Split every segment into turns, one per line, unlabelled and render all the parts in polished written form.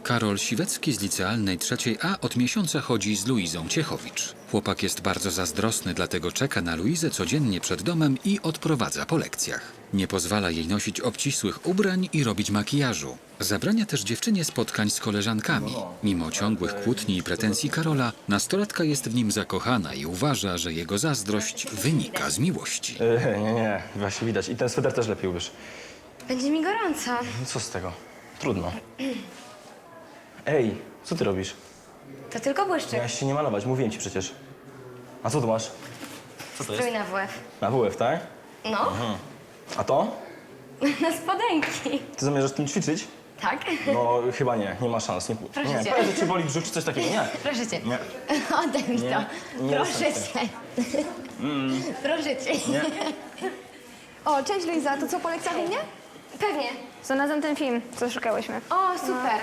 Karol Siwecki z licealnej 3A od miesiąca chodzi z Luizą Ciechowicz. Chłopak jest bardzo zazdrosny, dlatego czeka na Luizę codziennie przed domem i odprowadza po lekcjach. Nie pozwala jej nosić obcisłych ubrań i robić makijażu. Zabrania też dziewczynie spotkań z koleżankami. Mimo ciągłych kłótni i pretensji Karola, nastolatka jest w nim zakochana i uważa, że jego zazdrość wynika z miłości.
Nie, właśnie widać. I ten sweter też lepiej ubierz.
Będzie mi gorąco.
No co z tego? Trudno. Ej, co ty robisz?
To tylko błyszczyk.
Miałeś się nie malować, mówiłem ci przecież. A co tu masz? Co to
Strój na WF.
Na WF, tak?
No,
A to?
na spodenki.
Ty zamierzasz tym ćwiczyć?
Tak?
No chyba nie ma szans. Nie,
Proszę
nie,
cię.
powiedz, że cię boli brzuch czy coś takiego. Nie.
Proszę cię.
Nie.
Oddaj mi
Nie,
to.
nie
Proszę
jestem
cię. Proszę cię.
Nie.
O, cześć Luiza, to co po lekcjach u mnie?
Pewnie.
Znalazłam ten film, co szukałyśmy.
O, super.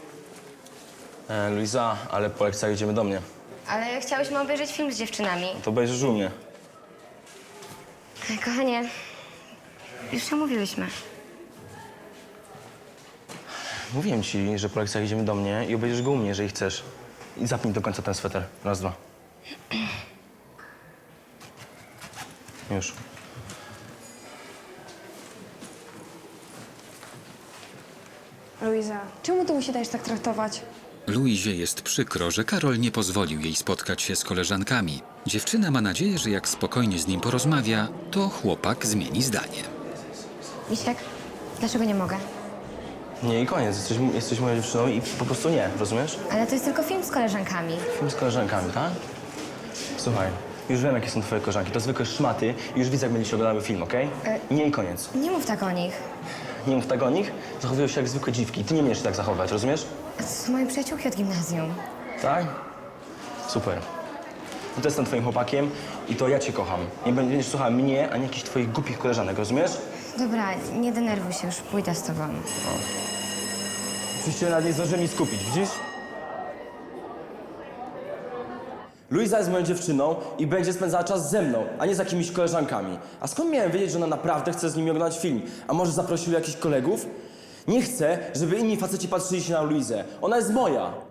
Luiza, ale po lekcjach idziemy do mnie.
Ale chciałyśmy obejrzeć film z dziewczynami.
To obejrzysz u mnie.
Kochanie, już się mówiłyśmy.
Mówiłem ci, że po lekcjach idziemy do mnie i obejrzysz go u mnie, jeżeli chcesz. I zapnij do końca ten sweter. Raz, dwa. Już.
Luiza, czemu ty musi dajesz tak traktować?
Luizie jest przykro, że Karol nie pozwolił jej spotkać się z koleżankami. Dziewczyna ma nadzieję, że jak spokojnie z nim porozmawia, to chłopak zmieni zdanie.
Misiek, dlaczego nie mogę?
Nie i koniec. Jesteś moją dziewczyną i po prostu nie, rozumiesz?
Ale to jest tylko film z koleżankami.
Film z koleżankami, tak? Słuchaj, już wiem, jakie są twoje koleżanki. To zwykłe szmaty i już widzę, jak będziecie oglądały film, okej? Nie i koniec.
Nie mów tak o nich.
Nie mów tak o nich, zachowują się jak zwykłe dziwki. Ty nie umiesz się tak zachować, rozumiesz?
To są moje przyjaciółki od gimnazjum.
Tak? Super. No to jestem twoim chłopakiem i to ja cię kocham. Nie będziesz słuchała mnie, ani jakichś twoich głupich koleżanek, rozumiesz?
Dobra, nie denerwuj się, już pójdę z tobą.
Oczywiście nawet nie zdążyłem nic skupić, widzisz? Luiza jest moją dziewczyną i będzie spędzała czas ze mną, a nie z jakimiś koleżankami. A skąd miałem wiedzieć, że ona naprawdę chce z nimi oglądać film? A może zaprosił jakichś kolegów? Nie chcę, żeby inni faceci patrzyli się na Luizę. Ona jest moja.